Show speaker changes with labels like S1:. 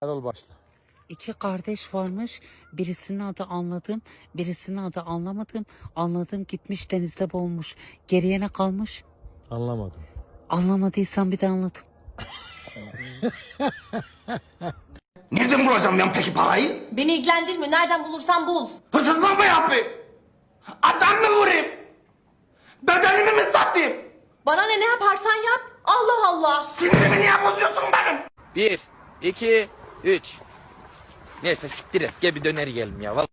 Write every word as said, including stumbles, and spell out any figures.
S1: Erol başla.
S2: İki kardeş varmış. Birisinin adı anladım, birisinin adı anlamadım. Anladım gitmiş denizde boğulmuş. Geriye ne kalmış?
S1: Anlamadım.
S2: Anlamadıysan bir de anlat.
S3: Nereden bulacağım ben peki parayı?
S4: Beni ilgilendirmiyor. Nereden bulursan bul.
S3: Hırsızlık mı yapayım? Adam mı vurayım? Bedenimi mi satayım?
S4: Bana ne ne yaparsan yap. Allah Allah.
S3: Sinirimi niye bozuyorsun benim?
S5: Bir, iki, üç. Neyse siktir et. Gel bir döner yiyelim ya. Vallahi.